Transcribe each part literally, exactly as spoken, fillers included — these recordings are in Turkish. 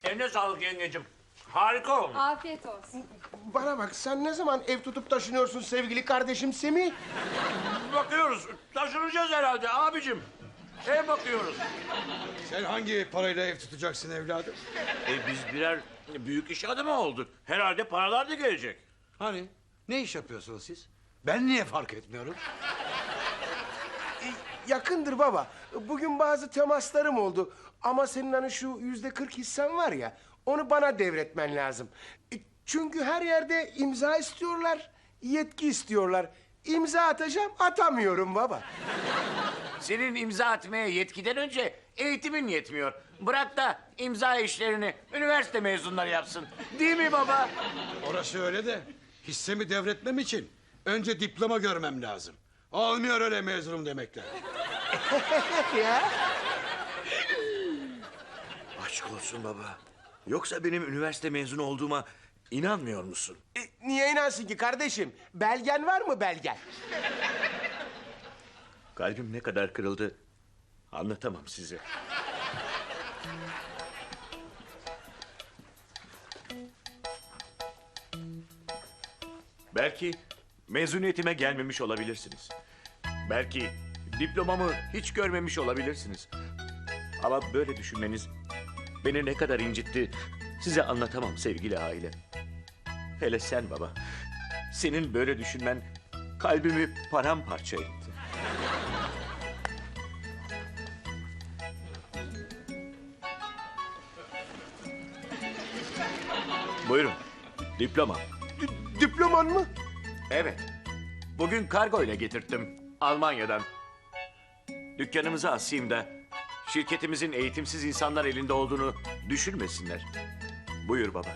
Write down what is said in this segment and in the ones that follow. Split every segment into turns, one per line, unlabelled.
Eline sağlık yengecim. Harika olmuş.
Afiyet olsun.
Bana bak, sen ne zaman ev tutup taşınıyorsun sevgili kardeşim Semih?
Bakıyoruz. Taşınacağız herhalde abicim. Ev bakıyoruz.
Sen hangi parayla ev tutacaksın evladım?
E biz birer büyük iş adamı olduk. Herhalde paralar da gelecek.
Hani ne iş yapıyorsunuz siz? Ben niye fark etmiyorum?
Yakındır baba. Bugün bazı temaslarım oldu. Ama senin hani şu yüzde kırk hissen var ya, onu bana devretmen lazım. E, Çünkü her yerde imza istiyorlar, yetki istiyorlar. İmza atacağım, atamıyorum baba.
Senin imza atmaya yetkiden önce eğitimin yetmiyor. Bırak da imza işlerini üniversite mezunları yapsın. Değil mi baba?
Orası öyle de hissemi devretmem için önce diploma görmem lazım. Olmuyor öyle mezunum demekle.
Ya.
Aşk olsun baba. Yoksa benim üniversite mezunu olduğuma inanmıyor musun?
E, niye inansın ki kardeşim? Belgen var mı belgen?
Kalbim ne kadar kırıldı anlatamam size. Belki mezuniyetime gelmemiş olabilirsiniz. Belki diplomamı hiç görmemiş olabilirsiniz. Ama böyle düşünmeniz beni ne kadar incitti size anlatamam sevgili aile. Hele sen baba. Senin böyle düşünmen kalbimi paramparça etti. Buyurun. Diploma.
D- diploman mı?
Evet. Bugün kargo ile getirttim Almanya'dan. Dükkanımızı asayım da şirketimizin eğitimsiz insanlar elinde olduğunu düşünmesinler. Buyur baba.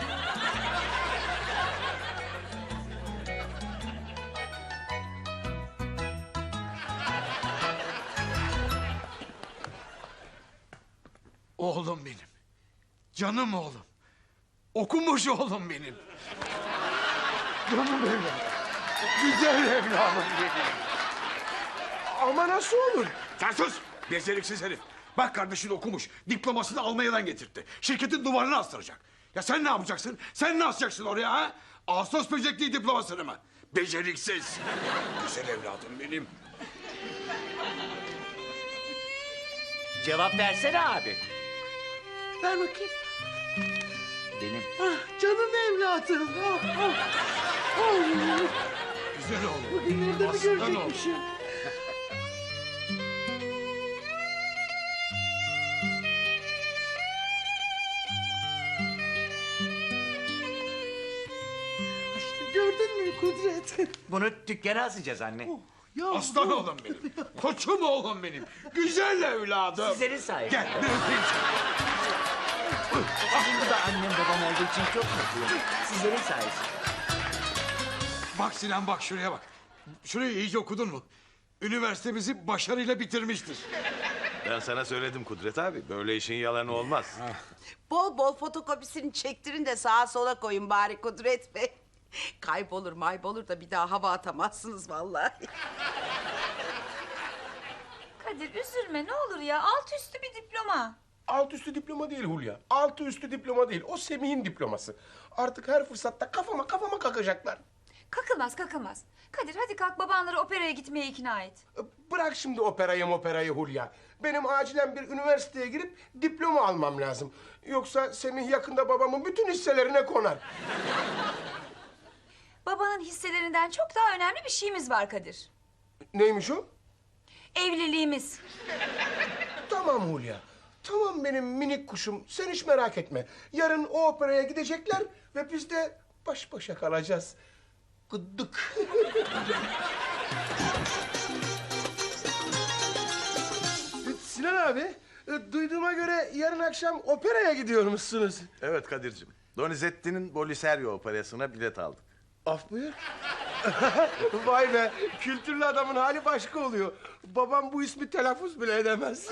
Oğlum benim. Canım oğlum. Okumuş oğlum benim.
Canım evladım. Güzel evladım benim. Ama nasıl olur?
Sen sus! Beceriksiz herif. Bak kardeşin okumuş. Diplomasını Almanya'dan getirtti. Şirketin duvarına astıracak. Ya sen ne yapacaksın? Sen ne asacaksın oraya ha? Ağustos böcekliği diplomasını mı? Beceriksiz. Güzel evladım benim.
Cevap versene abi.
Ver bakayım.
Benim.
Ah, canım evladım. Ah, ah. Ah.
Güzel oğlum.
Bugünlerde mi
Aslan oğlum.
görecekmişim? İşte gördün mü Kudret?
Bunu dükkana asacağız anne.
Ya
Aslan oğlum benim. Koçum oğlum benim. Güzel evladım.
Sizlerin sayesinde.
Gel bir öpeyim seni.
Sizin de annem babam olduğu için çok mutluyum. Sizlerin sayesinde.
Bak Sinan bak şuraya bak. Şurayı iyice okudun mu? Üniversitemizi başarıyla bitirmiştir.
Ben sana söyledim Kudret abi. Böyle işin yalanı olmaz.
Bol bol fotokopisini çektirin de sağa sola koyun bari Kudret Bey. Kaybolur maybolur da bir daha hava atamazsınız vallahi.
Kadir üzülme ne olur ya. Alt üstü bir diploma.
Alt üstü diploma değil Hulya. Altı üstü diploma değil. O Semih'in diploması. Artık her fırsatta kafama kafama kakacaklar.
Kakılmaz kakılmaz. Kadir hadi kalk babanları operaya gitmeye ikna et.
Bırak şimdi operayı operayı Hulya. Benim acilen bir üniversiteye girip diploma almam lazım. Yoksa Semih yakında babamın bütün hisselerine konar.
Babanın hisselerinden çok daha önemli bir şeyimiz var Kadir.
Neymiş o?
Evliliğimiz.
Tamam Hulya. Tamam benim minik kuşum. Sen hiç merak etme. Yarın o operaya gidecekler ve biz de baş başa kalacağız. Gıddık. Sinan abi, e, duyduğuma göre yarın akşam operaya gidiyormuşsunuz.
Evet Kadir'cim. Donizetti'nin Boliserio operasına bilet aldık.
Af buyur. Vay be, kültürlü adamın hali başka oluyor. Babam bu ismi telaffuz bile edemez.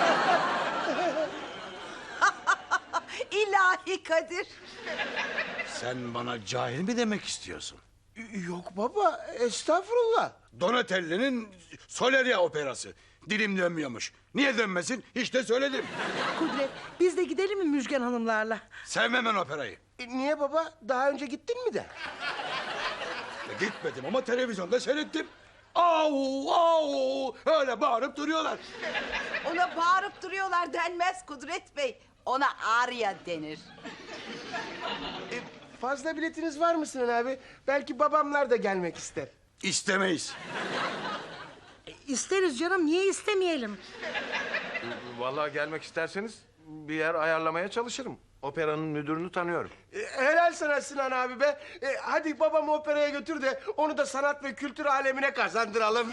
İlahi Kadir.
Sen bana cahil mi demek istiyorsun?
Yok baba, estağfurullah.
Donatelli'nin Soleria operası. Dilim dönmüyormuş. Niye dönmesin? İşte söyledim.
Kudret, biz de gidelim mi Müjgan Hanımlarla?
Sevmem ben operayı.
E, niye baba? Daha önce gittin mi de?
E, gitmedim ama televizyonda seyrettim. Au au öyle bağırıp duruyorlar.
Ona bağırıp duruyorlar denmez Kudret Bey. Ona arya denir.
E, fazla biletiniz var mı Sinan abi? Belki babamlar da gelmek ister.
İstemeyiz.
İsteriz canım, niye istemeyelim?
Vallahi gelmek isterseniz bir yer ayarlamaya çalışırım. Operanın müdürünü tanıyorum.
E, helal sana Sinan abi be. E, hadi babamı operaya götür de onu da sanat ve kültür alemine kazandıralım.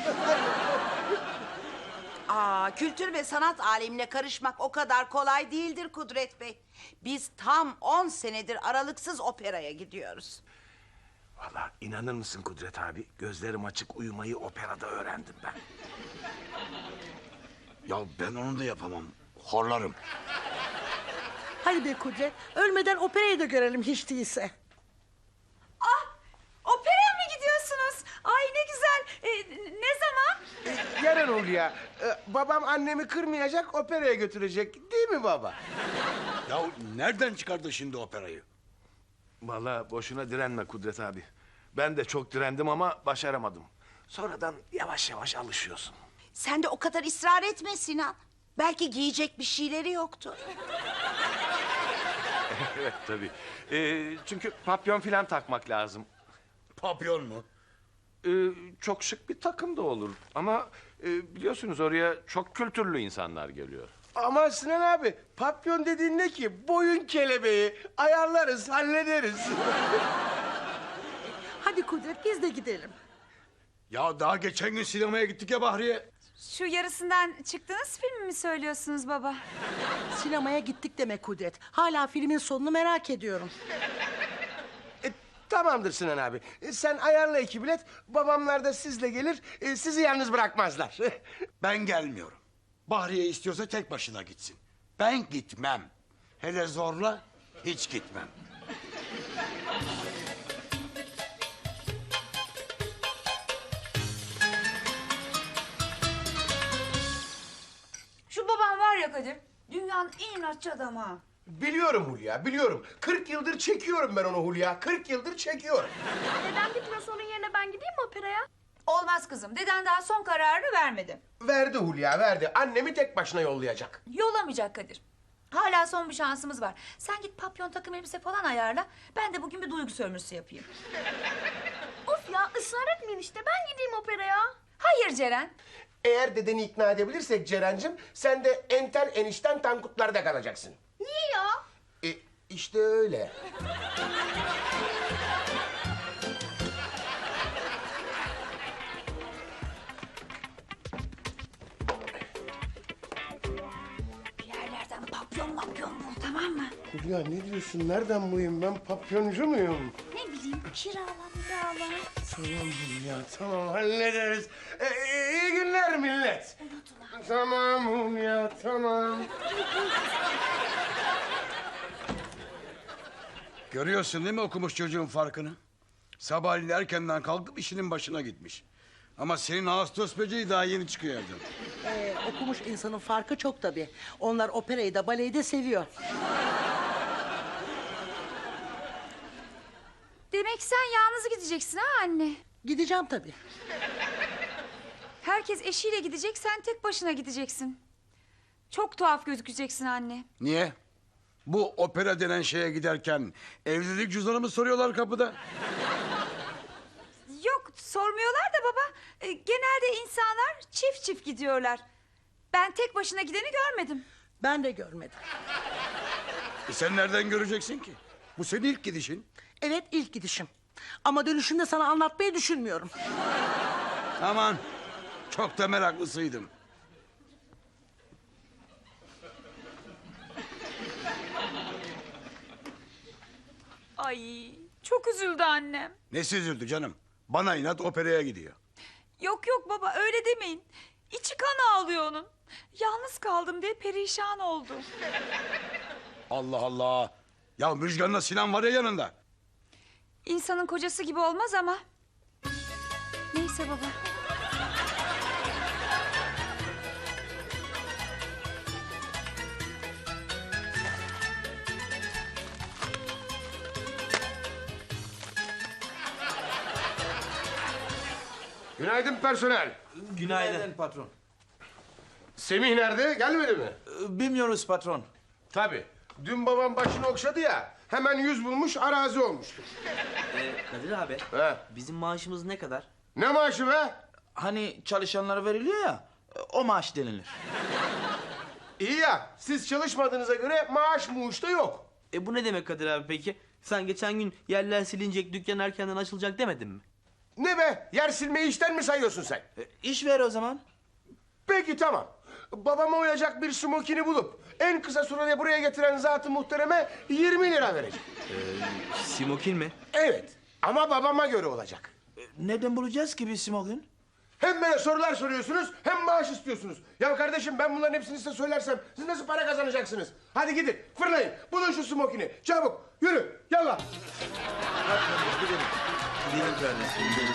Aa, kültür ve sanat alemine karışmak o kadar kolay değildir Kudret Bey. Biz tam on senedir aralıksız operaya gidiyoruz.
Vallahi inanır mısın Kudret abi? Gözlerim açık uyumayı operada öğrendim ben.
Ya ben onu da yapamam. Horlarım.
Hadi be Kudret, ölmeden operayı da görelim hiç değilse.
Ah, operaya mı gidiyorsunuz? Ay ne güzel. Ee, ne zaman?
E, yarın Hulya. E, babam annemi kırmayacak, operaya götürecek. Değil mi baba?
Ya nereden çıkardı şimdi operayı?
Vallahi boşuna direnme Kudret abi. Ben de çok direndim ama başaramadım. Sonradan yavaş yavaş alışıyorsun.
Sen de o kadar ısrar etme Sinan. Belki giyecek bir şeyleri yoktu.
Evet tabii. Ee, çünkü papyon falan takmak lazım.
Papyon mu?
Ee, çok şık bir takım da olur. Ama e, biliyorsunuz oraya çok kültürlü insanlar geliyor.
Ama Sinan abi, papyon dediğin ne ki? Boyun kelebeği. Ayarlarız, hallederiz.
Hadi Kudret, biz de gidelim.
Ya daha geçen gün sinemaya gittik ya Bahriye.
Şu yarısından çıktığınız filmi mi söylüyorsunuz baba?
Sinemaya gittik demek Kudret. Hala filmin sonunu merak ediyorum.
E, tamamdır Sinan abi. E, sen ayarla iki bilet. Babamlar da sizle gelir. E, sizi yalnız bırakmazlar.
Ben gelmiyorum. Bahriye istiyorsa tek başına gitsin. Ben gitmem. Hele zorla hiç gitmem.
Şu babam var ya Kadir, dünyanın en inatçı adamı ha.
Biliyorum Hulya, biliyorum. Kırk yıldır çekiyorum ben onu Hulya. Kırk yıldır çekiyorum.
Neden gitmiyorsa onun yerine ben gideyim mi operaya?
Olmaz kızım, deden daha son kararını vermedi.
Verdi Hulya, verdi. Annemi tek başına yollayacak.
Yollamayacak Kadir. Hala son bir şansımız var. Sen git papyon takım elbise falan ayarla. Ben de bugün bir duygu sömürüsü yapayım.
Of ya ısrar etmeyin işte ben gideyim operaya.
Hayır Ceren.
Eğer dedeni ikna edebilirsek Ceren'cim... ...sen de entel enişten Tankutlar'da kalacaksın.
Niye ya?
E, işte öyle.
Bir yerlerden papyon mapyon bul, tamam mı?
Hulya ne diyorsun? Nereden bulayım ben? Papyoncu muyum?
Ne bileyim, kirala kirala.
Tamam Hulya, tamam hallederiz. E, e, iyi günler millet. Tamam Hulya, tamam.
Görüyorsun değil mi okumuş çocuğun farkını? Sabahleyin erkenden kalkıp işinin başına gitmiş. Ama senin Ağustos böceği daha yeni çıkıyor evden.
Ee, okumuş insanın farkı çok tabii. Onlar operayı da baleyi de seviyor.
Demek sen yalnız gideceksin ha anne?
Gideceğim tabii.
Herkes eşiyle gidecek, sen tek başına gideceksin. Çok tuhaf gözükeceksin anne.
Niye? Bu opera denen şeye giderken evlilik cüzdanımı soruyorlar kapıda.
Yok, sormuyorlar da baba. E, genelde insanlar çift çift gidiyorlar. Ben tek başına gideni görmedim.
Ben de görmedim.
E sen nereden göreceksin ki? Bu senin ilk gidişin.
Evet, ilk gidişim. Ama dönüşümde sana anlatmayı düşünmüyorum.
Aman çok da meraklısıydım.
Ay, çok üzüldü annem.
Nesi üzüldü canım? Bana inat operaya gidiyor.
Yok yok baba, öyle demeyin. İçi kan ağlıyor onun. Yalnız kaldım diye perişan oldu.
Allah Allah. Ya Müjgan'la Sinan var ya yanında.
İnsanın kocası gibi olmaz ama. Neyse baba.
Günaydın personel.
Günaydın patron.
Semih nerede? Gelmedi mi?
Bilmiyoruz patron.
Tabii. Dün babam başını okşadı ya. Hemen yüz bulmuş, arazi olmuş.
Kadir abi,
He.
bizim maaşımız ne kadar?
Ne maaşı be?
Hani çalışanlara veriliyor ya, o maaş denilir.
İyi ya, siz çalışmadığınıza göre maaş muğuş da yok.
E bu ne demek Kadir abi peki? Sen geçen gün yerler silinecek, dükkan erkenden açılacak demedin mi?
Ne be? Yer silmeyi işten mi sayıyorsun sen?
E, iş ver o zaman.
Peki tamam. Babama uyacak bir smokini bulup en kısa sürede buraya getiren zat-ı muhtereme yirmi lira vereceğim.
Simokin mi?
Evet. Ama babama göre olacak.
E, nereden bulacağız ki biz simokin?
Hem böyle sorular soruyorsunuz hem maaş istiyorsunuz. Ya kardeşim ben bunların hepsini size söylersem siz nasıl para kazanacaksınız? Hadi gidin fırlayın bulun şu smokini çabuk yürü yallah.
Gidelim. Gidelim kardeşim, gidelim.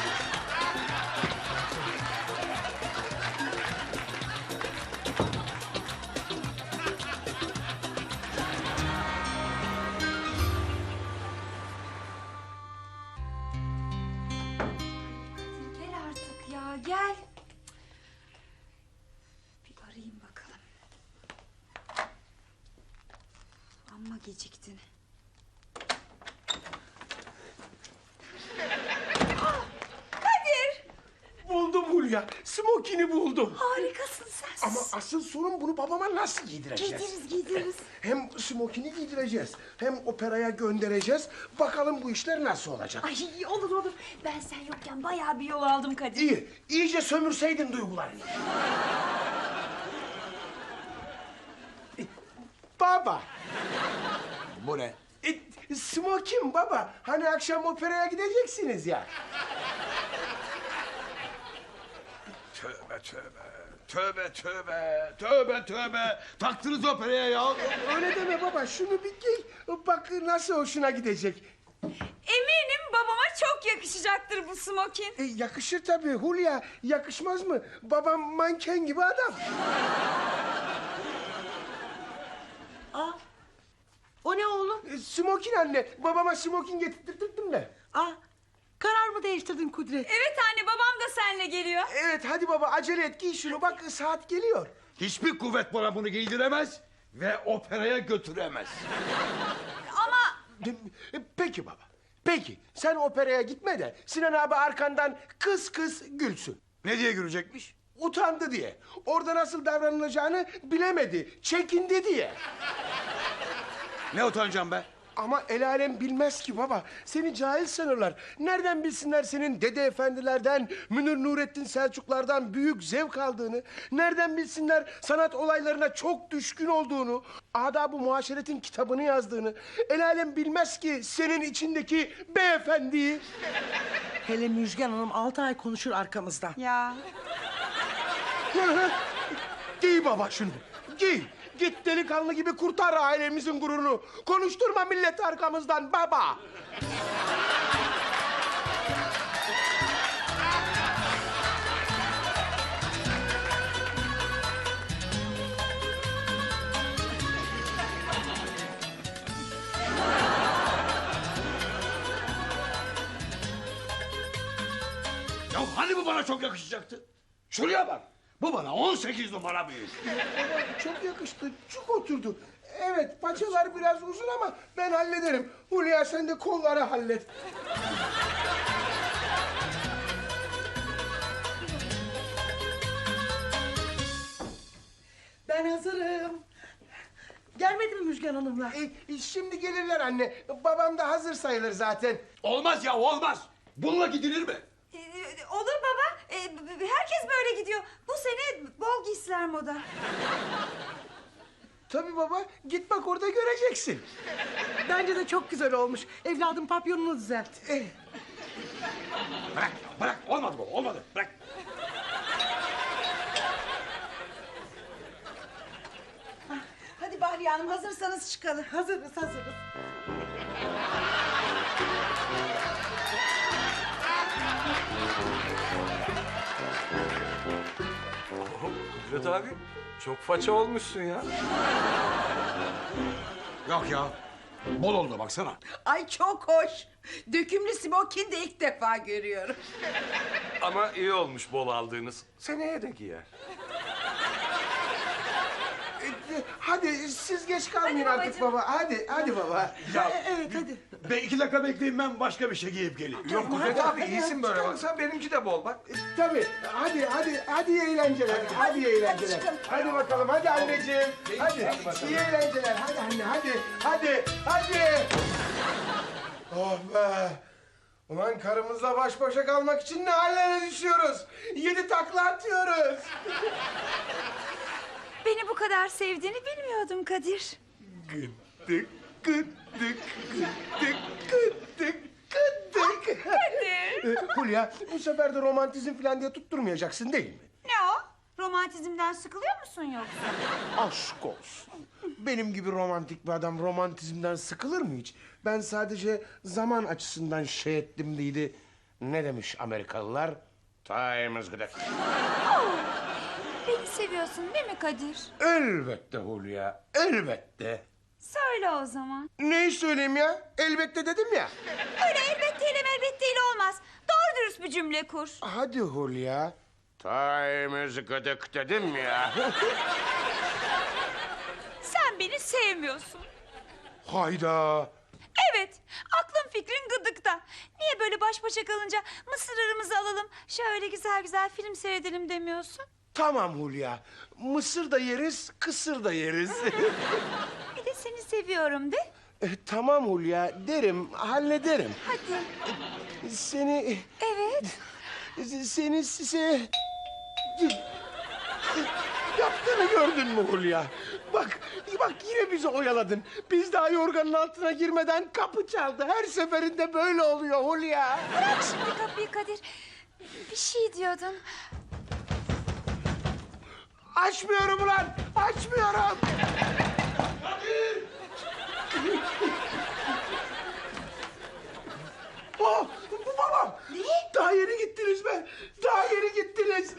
Gel artık ya gel. Bir arayayım bakalım. Amma geciktin. Ah, Kadir!
Buldum Hulya smokini buldum.
Harikasın sen.
Ama asıl sorun bunu babama nasıl giydireceğiz?
Giydiririz giydiririz.
Hem smokini giydireceğiz hem operaya göndereceğiz. Bakalım bu işler nasıl olacak?
Ay olur olur. Ben sen yokken bayağı bir yol aldım Kadir.
İyi, iyice sömürseydin duygularını. E, Baba.
Bu ne?
E, smokin baba. Hani akşam operaya gideceksiniz ya.
Tövbe tövbe. Tövbe tövbe. Tövbe tövbe. Taktınız operaya ya.
Öyle deme baba. Şunu bir giy. Bak nasıl hoşuna gidecek.
Eminim babama çok yakışacaktır bu smokin.
E, yakışır tabii Hulya. Yakışmaz mı? Babam manken gibi adam.
Aa, o ne oğlum?
E, smokin anne. Babama smokin getirttirdim de.
Aa, karar mı değiştirdin Kudret?
Evet anne babam da seninle geliyor.
Evet hadi baba acele et giy şunu. Bak saat geliyor.
Hiçbir kuvvet bana bunu giydiremez ve operaya götüremez.
Ama
E, Peki baba. Peki sen operaya gitme de Sinan abi arkandan kıs kıs gülsün.
Ne diye gülecekmiş?
Utandı diye. Orada nasıl davranılacağını bilemedi. Çekindi diye.
Ne utanacağım be?
Ama el alem bilmez ki baba. Seni cahil sanırlar. Nereden bilsinler senin Dede Efendilerden, Münir Nurettin Selçuklardan büyük zevk aldığını? Nereden bilsinler sanat olaylarına çok düşkün olduğunu? Adab-ı Muaşeret'in kitabını yazdığını? El alem bilmez ki senin içindeki beyefendiyi.
Hele Müjgan Hanım altı ay konuşur arkamızdan.
ya
Giy baba şunu. Giy. Git delikanlı gibi kurtar ailemizin gururunu. Konuşturma milleti arkamızdan baba.
Ya hani bu bana çok yakışacaktı? Şuraya bak. Bu bana on sekiz numara büyük.
Baba çok yakıştı. Çok oturdu. Evet paçalar biraz uzun ama ben hallederim. Hulya sen de kolları hallet.
Ben hazırım. Gelmedi mi Müjgan Hanımlar?
E, e, şimdi gelirler anne. Babam da hazır sayılır zaten.
Olmaz ya olmaz. Bununla gidilir mi?
e, olur baba. E, b- b- herkes böyle gidiyor. Bu sene bol giysiler moda.
Tabii baba. Git bak orada göreceksin.
Bence de çok güzel olmuş. Evladım papyonunu düzelt.
Eh,
Bırak bırak olmadı bu olmadı bırak.
Hadi Bahriye Hanım hazırsanız çıkalım.
Hazırız, hazırız.
Kudret abi çok faça olmuşsun ya.
Yok ya. Bol oldu baksana.
Ay çok hoş. Dökümlü smokin de ilk defa görüyorum.
Ama iyi olmuş bol aldığınız. Seneye de giyer.
E, Hadi siz geç kalmayın
Hadi
artık
babacığım.
baba. Hadi, hadi baba.
Ya,
Evet hadi.
be iki dakika bekleyin, ben başka bir şey giyip geleyim.
Yok Kudret abi iyisin böyle baksana benimki de bol bak.
E, Tabii. Hadi, hadi, hadi iyi eğlenceler. Hadi, iyi eğlenceler. Hadi, bakalım, hadi anneciğim. Hadi, iyi eğlenceler. Hadi anne, hadi, hadi, hadi. Oh be. Ulan karımızla baş başa kalmak için ne hallere düşüyoruz. Yedi takla atıyoruz.
Beni bu kadar sevdiğini bilmiyordum Kadir.
Gıddık, gıddık, gıddık, gıddık, gıddık. Kadir. Hulya, bu sefer de romantizm falan diye tutturmayacaksın değil mi?
Ne o? Romantizmden sıkılıyor musun yoksa?
Aşk olsun. Benim gibi romantik bir adam romantizmden sıkılır mı hiç? Ben sadece zaman açısından şey ettim değildi. Ne demiş Amerikalılar? Time is good.
Beni seviyorsun değil mi Kadir?
Elbette Hulya, elbette.
Söyle o zaman.
Neyi söyleyeyim ya? Elbette dedim ya.
Öyle elbetteyle elbetteyle olmaz. Doğru dürüst bir cümle kur.
Hadi Hulya. Time is good dedim ya.
Sen beni sevmiyorsun.
Hayda.
Evet, aklın fikrin gıdıkta. Niye böyle baş başa kalınca mısırlarımızı alalım, şöyle güzel güzel film seyredelim demiyorsun?
Tamam Hulya. Mısır da yeriz, kısır da yeriz.
Bir de seni seviyorum de.
E, tamam Hulya, derim, hallederim.
Hadi.
Seni...
Evet.
Seni size... Yaptığını gördün mü Hulya? Bak, bak yine bizi oyaladın. Biz daha yorganın altına girmeden kapı çaldı. Her seferinde böyle oluyor Hulya.
Bırak şimdi kapıyı Kadir. Bir şey diyordun.
Açmıyorum ulan, açmıyorum. Oh, bu babam.
Ne?
Daha yeni gittiniz be. Daha yeni gittiniz.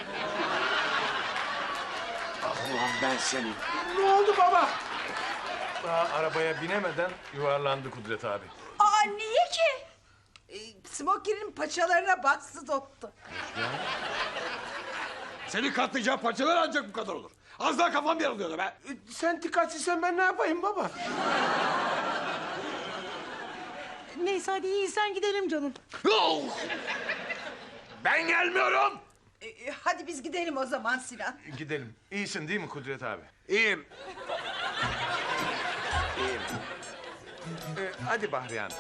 Ah ulan ben senin. Ne oldu baba?
Daha arabaya binemeden yuvarlandı Kudret abi.
Aa niye ki? Ee, smokinin paçalarına bastı doktor.
Seni katlayacağım parçalar ancak bu kadar olur. Az daha kafam yarılıyordu be.
E, Sen dikkatsizsen ben ne yapayım baba?
Neyse hadi iyi sen gidelim canım.
Oh! Ben gelmiyorum.
Ee, hadi biz gidelim o zaman Sinan.
Gidelim. İyisin değil mi Kudret abi?
İyiyim.
İyiyim. Ee, hadi Bahriye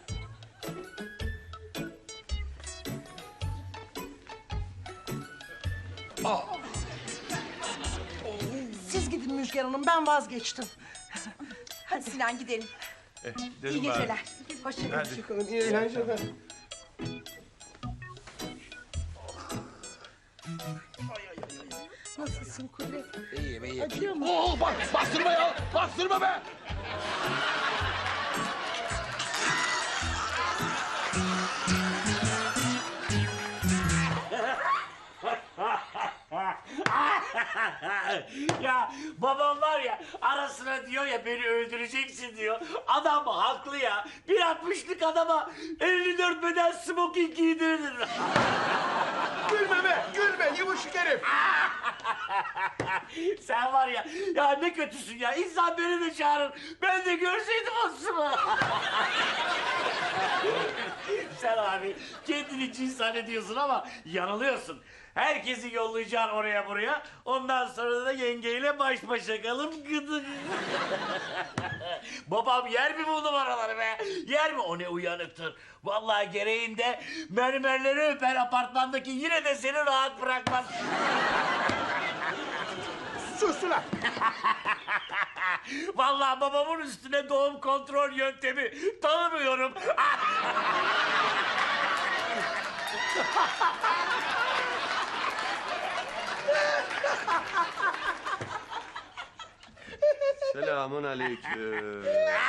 Siz gidin Müjgan Hanım ben vazgeçtim.
Hadi Sinan gidelim.
Eh,
İyi
dedim bari.
geceler. Hoşça kalın.
Hadi.
Çıkalım, iyi eğlenceler.
Nasılsın Kudret?
İyiyim, iyiyim.
Acıyor mu?
Oh, bak bastırma ya. Bastırma be.
Ya babam var ya arasına diyor ya beni öldüreceksin diyor. Adam haklı ya. Bir altmışlık adama elli dört beden smoking giydirilir.
Gülme be, gülme yumuşak herif.
Sen var ya, ya ne kötüsün ya. İnsan beni de çağırır. Ben de görseydim aslında. Sen abi kendini cins zannediyorsun ama yanılıyorsun. Herkesi yollayacaksın oraya buraya. Ondan sonra da yengeyle baş başa kalıp gıdı. Babam yer mi bu numaraları be? Yer mi? O ne uyanıktır. Vallahi gereğinde mermerleri öper apartmandaki, yine de seni rahat bırakmaz.
Sus ulan.
Vallahi babamın üstüne doğum kontrol yöntemi tanımıyorum.
Selamun aleyküm.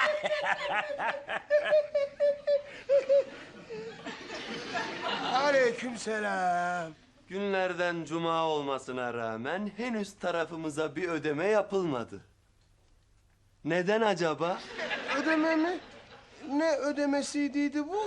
Aleykümselam.
Günlerden cuma olmasına rağmen henüz tarafımıza bir ödeme yapılmadı. Neden acaba?
Ödeme mi? Ne ödemesiydi bu?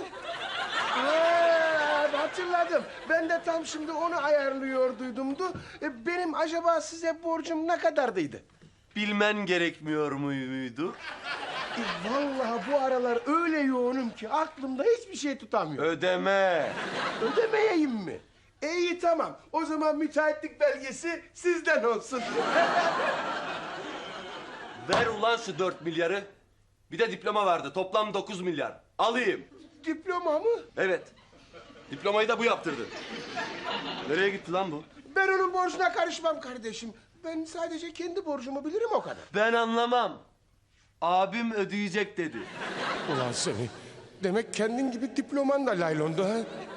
Ha, hatırladım. Ben de tam şimdi onu ayarlıyorduydumdu. E, Benim acaba size borcum ne kadardıydı?
Bilmen gerekmiyor muydu?
E, Vallahi bu aralar öyle yoğunum ki aklımda hiçbir şey tutamıyorum.
Ödeme.
Ödemeyeyim mi? E, iyi tamam. O zaman müteahhitlik belgesi sizden olsun.
Ver ulan şu dört milyarı. Bir de diploma vardı. Toplam dokuz milyar. Alayım.
Diploma mı?
Evet. Diplomayı da bu yaptırdı. Nereye gitti lan bu?
Ben onun borcuna karışmam kardeşim. Ben sadece kendi borcumu bilirim o kadar.
Ben anlamam. Abim ödeyecek dedi.
Ulan seni. Demek kendin gibi diploman da laylondu ha?